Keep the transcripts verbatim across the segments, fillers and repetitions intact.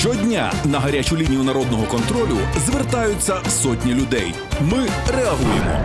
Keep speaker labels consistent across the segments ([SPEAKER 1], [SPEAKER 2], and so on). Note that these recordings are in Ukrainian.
[SPEAKER 1] Щодня на гарячу лінію народного контролю звертаються сотні людей. Ми реагуємо.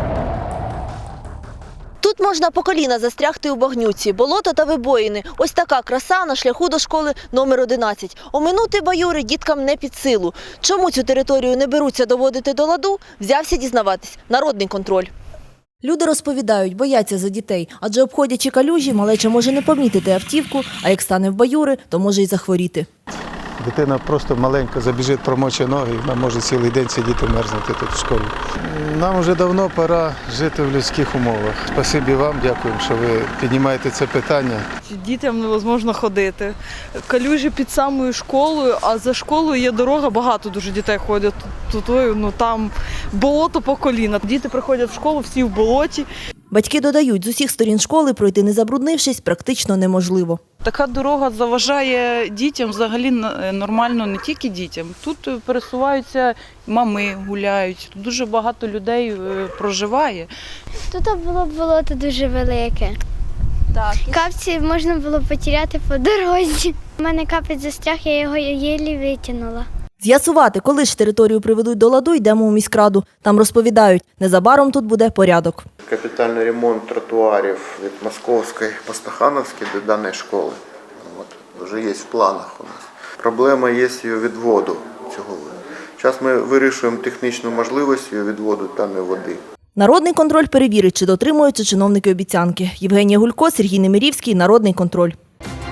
[SPEAKER 2] Тут можна по коліна застрягти у багнюці, болото та вибоїни. Ось така краса на шляху до школи номер одинадцять. Оминути баюри діткам не під силу. Чому цю територію не беруться доводити до ладу, взявся дізнаватись народний контроль. Люди розповідають, бояться за дітей, адже обходячи калюжі, малеча може не помітити автівку, а як стане в баюри, то може й захворіти.
[SPEAKER 3] Дитина просто маленька, забіжить, промоче ноги, і вона може цілий день сидіти, мерзнути тут в школі. Нам вже давно пора жити в людських умовах. Спасибі вам, дякуємо, що ви піднімаєте це питання.
[SPEAKER 4] Дітям невозможно ходити. Калюжі під самою школою, а за школою є дорога, багато дуже дітей ходять. Тут, ну, там болото по коліна. Діти приходять в школу, всі в болоті.
[SPEAKER 2] Батьки додають, з усіх сторін школи пройти не забруднившись практично неможливо.
[SPEAKER 4] Така дорога заважає дітям, взагалі нормально не тільки дітям. Тут пересуваються мами, гуляють, тут дуже багато людей проживає.
[SPEAKER 5] Тут було болото дуже велике.
[SPEAKER 2] Так.
[SPEAKER 5] Капці можна було потеряти по дорозі. У мене капець застряг, я його єлі витягнула.
[SPEAKER 2] З'ясувати, коли ж територію приведуть до ладу, йдемо у міськраду. Там розповідають, незабаром тут буде порядок.
[SPEAKER 6] Капітальний ремонт тротуарів від Московської по Стахановській до даної школи. От, вже є в планах у нас. Проблема є з її відводу цього. Зараз ми вирішуємо технічну можливість її відводу даної води.
[SPEAKER 2] Народний контроль перевірить, чи дотримуються чиновники обіцянки. Євгенія Гулько, Сергій Немирівський, Народний контроль.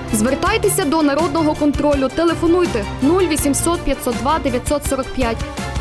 [SPEAKER 7] Звертайтеся до Народного контролю. Телефонуйте нуль вісімсот п'ятсот два дев'ятсот сорок п'ять.